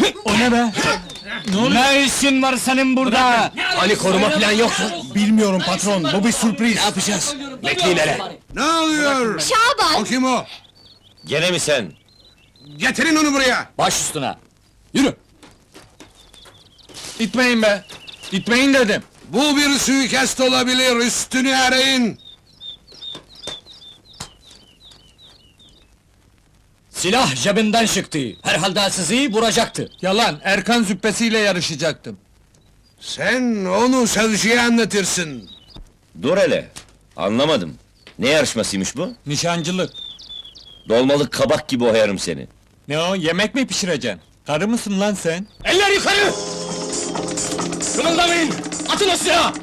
O ne be? Ne işin var senin burada? Hani koruma falan yok mu? Bilmiyorum patron, bu bir sürpriz. Ne yapacağız? Bekleyin hele. Ne oluyor? Şaban! O kim o? Gene mi sen? Getirin onu buraya! Baş üstüne. Yürü. İtmeyin be. İtmeyin dedim. Bu bir suikast olabilir, üstünü arayın! Silah cebinden çıktı. Herhalde sizi vuracaktı. Yalan, Erkan züppesiyle yarışacaktım. Sen onu savcıya anlatırsın! Dur hele. Anlamadım. Ne yarışmasıymış bu? Nişancılık. Dolmalık kabak gibi oyarım seni. Ne o, yemek mi pişireceksin? Karı mısın lan sen? Eller yukarı! Kımıldamayın! Atın o silahı!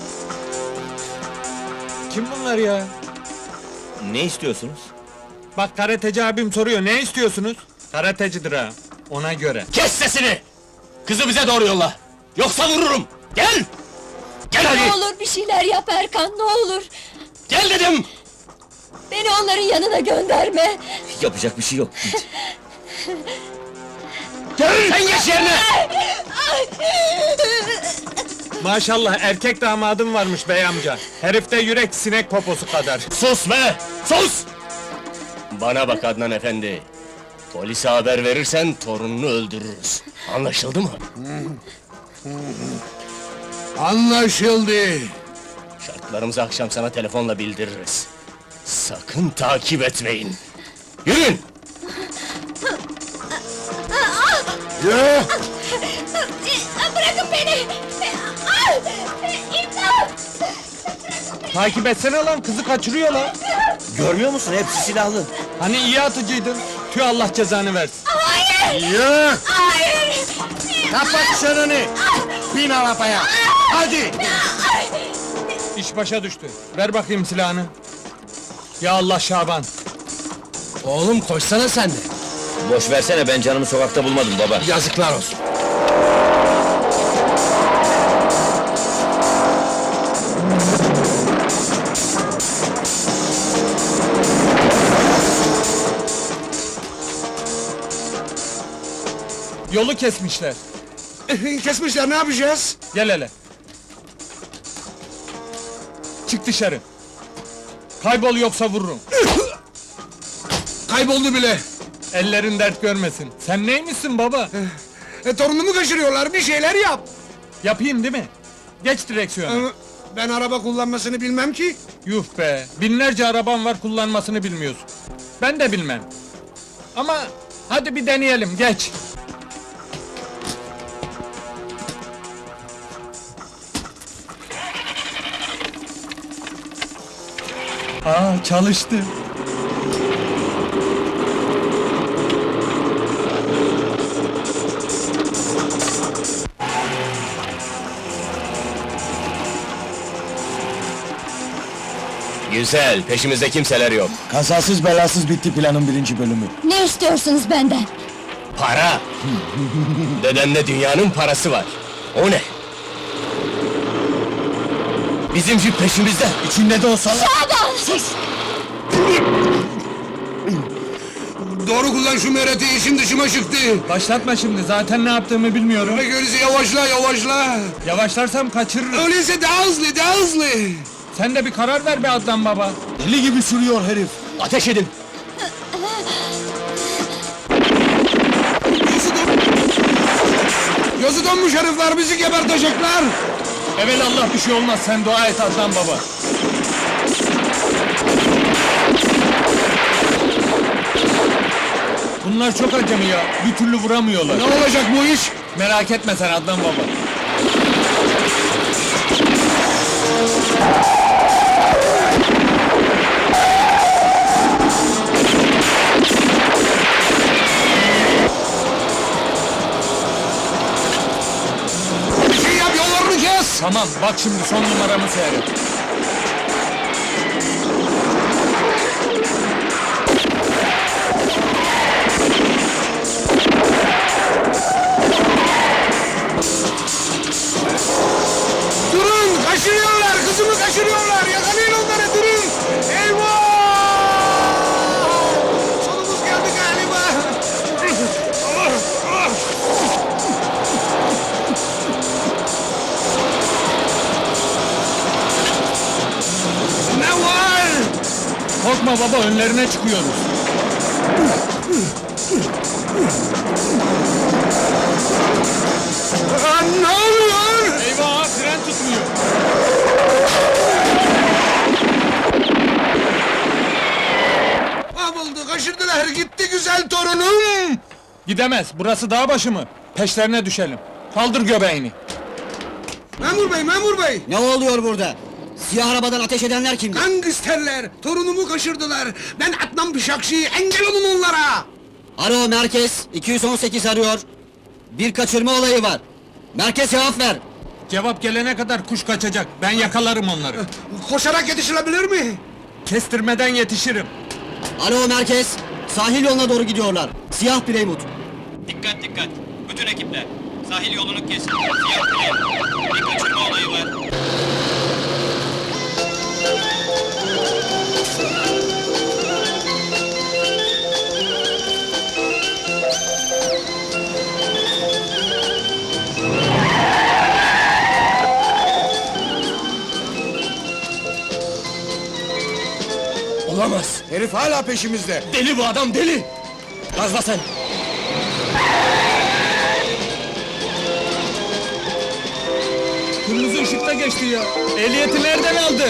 Kim bunlar ya? Ne istiyorsunuz? Bak karateci abim soruyor, ne istiyorsunuz? Karatecidir ha, ona göre. Kes sesini! Kızı bize doğru yolla! Yoksa vururum! Gel! Gel Ne hadi! olur bir şeyler yap Erkan, ne olur! Gel dedim! Beni onların yanına gönderme! Yapacak bir şey yok, git! Gel! Sen geç yerine! Maşallah erkek damadım varmış bey amca. Herifte yürek sinek poposu kadar. Sus be! Sus! Bana bak Adnan efendi! Polise haber verirsen torununu öldürürüz. Anlaşıldı mı? Anlaşıldı! Şartlarımızı akşam sana telefonla bildiririz. Sakın takip etmeyin! Yürüyün! Yürü! Bırakın beni! İmdat! Takip etsene lan, kızı kaçırıyor lan. Görmüyor musun? Hepsi silahlı. Hani iyi atıcıydın. Tüh, Allah cezanı versin. Hayır! Yürü! Hayır! Kapat çeneni! Bin arabaya! Hadi! İş başa düştü. Ver bakayım silahını. Ya Allah Şaban. Oğlum koşsana sen de! Boş versene, ben canımı sokakta bulmadım baba. Yazıklar olsun! Yolu kesmişler. Kesmişler, ne yapacağız? Gel hele. Çık dışarı. Kaybol yoksa vururum. Kayboldu bile! Ellerin dert görmesin. Sen neymişsin baba? Torunumu kaçırıyorlar, bir şeyler yap! Yapayım değil mi? Geç direksiyona. Ben araba kullanmasını bilmem ki! Yuh be! Binlerce araban var, kullanmasını bilmiyorsun. Ben de bilmem. Ama hadi bir deneyelim, geç! Aa, çalıştı! Güzel, peşimizde kimseler yok. Kazasız belasız bitti planın birinci bölümü. Ne istiyorsunuz benden? Para! Dedemde dünyanın parası var. O ne? Bizim jip peşimizde. İçinde de o salak... Şaban! Sus! Doğru kullan şu mereti, işim dışıma çıktı! Başlatma şimdi, zaten ne yaptığımı bilmiyorum. Öyleyse yavaşla, yavaşla! Yavaşlarsam kaçırırım. Öyleyse daha hızlı, daha hızlı! Sen de bir karar ver be Adnan baba. Deli gibi sürüyor herif. Ateş edin! Gözü donmuş herifler, bizi gebertecekler! Evelallah bir şey olmaz, sen dua et Adnan baba. Bunlar çok acemi ya, bir türlü vuramıyorlar. Ne olacak bu iş? Merak etme sen Adnan baba. Bir şey yap, yollarını kes! Tamam, bak şimdi son numaramı seyret. Durun, kaçırıyorlar, kızımı kaçırıyorlar! Yakalayın onları, durun! Eyvah! Sonumuz geldi galiba! Korkma baba, önlerine çıkıyoruz. Ne oluyor? Eyvah, fren tutmuyor. Mahvoldu, kaçırdılar, gitti güzel torunum! Gidemez, burası dağ başı mı? Peşlerine düşelim. Kaldır göbeğini. Memur bey, memur bey! Ne oluyor burada? Siyah arabadan ateş edenler kimdi? Gangsterler, torunumu kaçırdılar! Ben Adnan Bıçakçı, engel olun onlara! Alo merkez, 218 arıyor. Bir kaçırma olayı var. Merkez cevap ver. Cevap gelene kadar kuş kaçacak. Ben yakalarım onları. Koşarak yetişilebilir mi? Kestirmeden yetişirim. Alo merkez, sahil yoluna doğru gidiyorlar. Siyah Playmut. Dikkat dikkat! Bütün ekipler! Sahil yolunu kesin! Siyah Play! Bir kaçırma olayı var! Olamaz! Herif hala peşimizde! Deli bu adam, deli! Gazla sen! Kırmızı ışıkta geçti ya. Ehliyeti nereden aldı?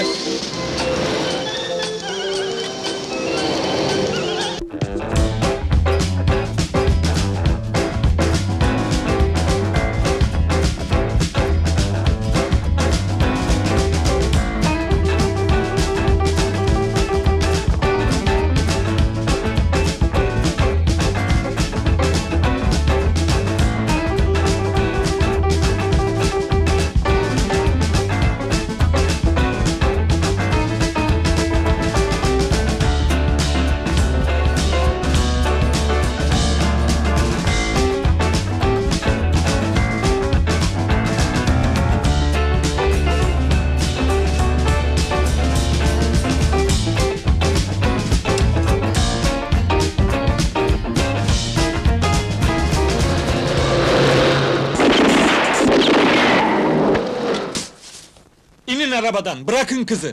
İnin arabadan, bırakın kızı.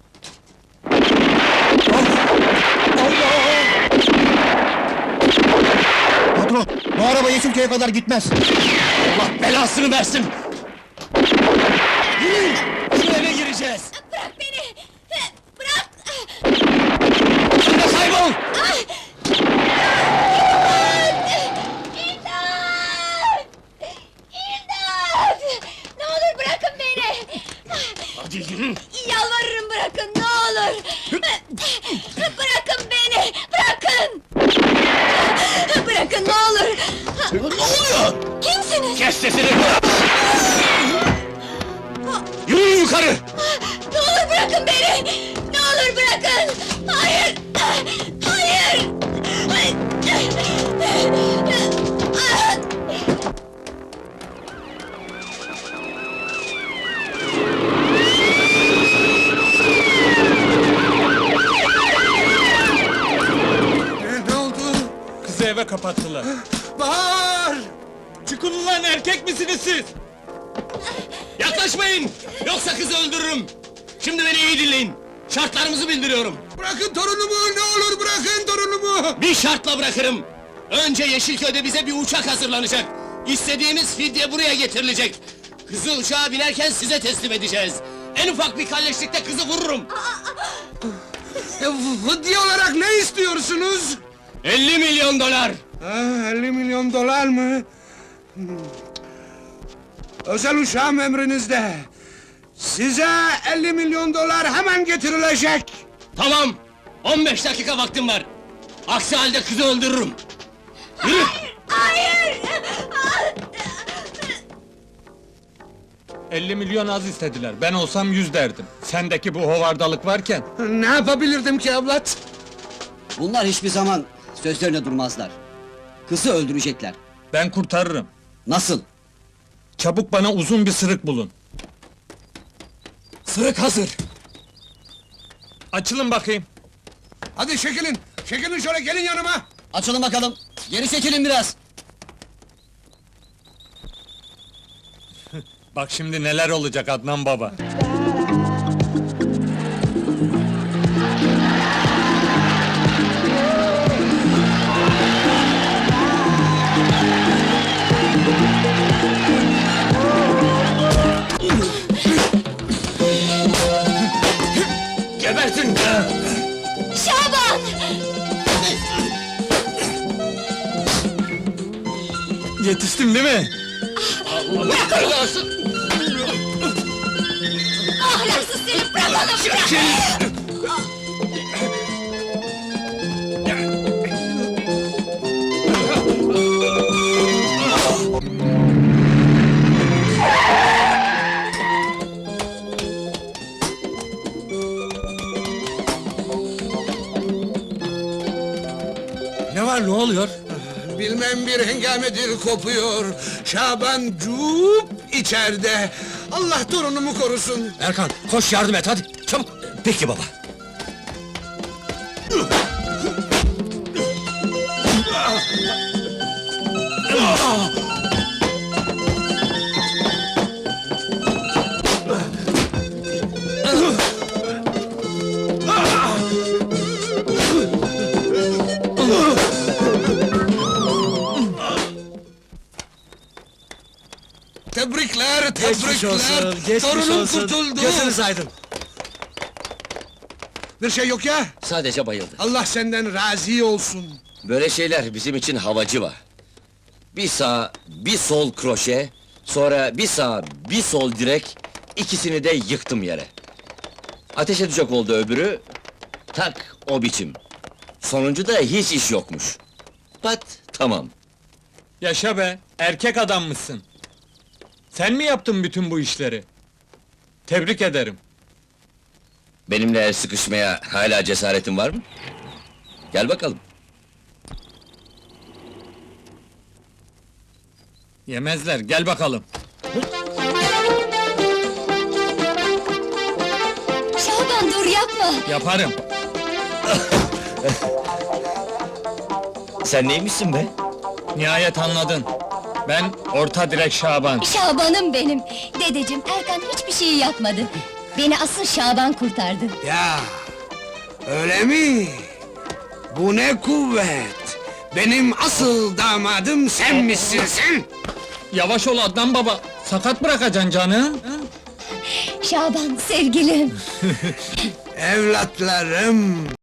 Patron, bu araba Yeşilköy'e kadar gitmez. Allah belasını versin! Yürüyün! Şu eve gireceğiz! Bırak beni! Bırak! Sen de kaybol! İmdat! İmdat! Ne olur bırakın beni! Hadi yürü! Yalvarırım bırakın, ne olur! Bırakın beni! Bırakın! Bırakın, ne olur! Ne oluyor? Kimsiniz? Kes sesini! Yürüyün yukarı! Ne olur bırakın beni! Ne olur bırakın! Hayır! Hayır! Ne oldu? Kızı eve kapattılar. Bahar! Çıkın ulan, erkek misiniz siz? Yaklaşmayın! Yoksa kızı öldürürüm! Şimdi beni iyi dinleyin! Şartlarımızı bildiriyorum! Bırakın torunumu, ne olur bırakın torunumu! Bir şartla bırakırım! Önce Yeşilköy'de bize bir uçak hazırlanacak! İstediğimiz fidye buraya getirilecek! Kızı uçağa binerken size teslim edeceğiz! En ufak bir kalleşlikte kızı vururum! Fıdye olarak ne istiyorsunuz? 50 milyon dolar! 50 milyon dolar mı? Özel uçağım emrinizde. Size 50 milyon dolar hemen getirilecek. Tamam! 15 dakika vaktim var! Aksi halde kızı öldürürüm! Yürü! Hayır! 50 milyon az istediler. Ben olsam 100 derdim. Sendeki bu hovardalık varken. Ne yapabilirdim ki evlat? Bunlar hiçbir zaman sözlerine durmazlar. Kızı öldürecekler. Ben kurtarırım. Nasıl? Çabuk bana uzun bir sırık bulun. Sırık hazır! Açılın bakayım. Hadi çekilin. Çekilin şöyle, gelin yanıma. Açılın bakalım. Geri çekilin biraz. Bak şimdi neler olacak Adnan baba. Yetiştim değil mi? Allah belasın! Ahlaksız seni bırakalım bırak! Ne var, ne oluyor? Bilmem bir hengamedir kopuyor. Şaban cuup içeride. Allah torunumu korusun. Erkan, koş yardım et hadi, çabuk! Peki baba. Tebrikler, tebrikler. Torunum kurtuldu. Gözünüz aydın. Bir şey yok ya. Sadece bayıldı. Allah senden razı olsun. Böyle şeyler bizim için havacı var. Bir sağ, bir sol kroşe, sonra bir sağ, bir sol direk, ikisini de yıktım yere. Ateş edecek oldu öbürü, tak o biçim. Sonuncu da hiç iş yokmuş. Pat, tamam. Yaşa be, erkek adammışsın. Sen mi yaptın bütün bu işleri? Tebrik ederim. Benimle el sıkışmaya hala cesaretin var mı? Gel bakalım. Yemezler, gel bakalım. Şaban dur yapma! Yaparım. Sen neymişsin be? Nihayet anladın. Ben orta direk Şaban. Şaban'ım benim! Dedeciğim, Erkan hiçbir şey yapmadı. Beni asıl Şaban kurtardı. Ya, öyle mi? Bu ne kuvvet! Benim asıl damadım sen misin sen? Yavaş ol Adnan baba, sakat bırakacaksın canı. Şaban, sevgilim! Evlatlarım,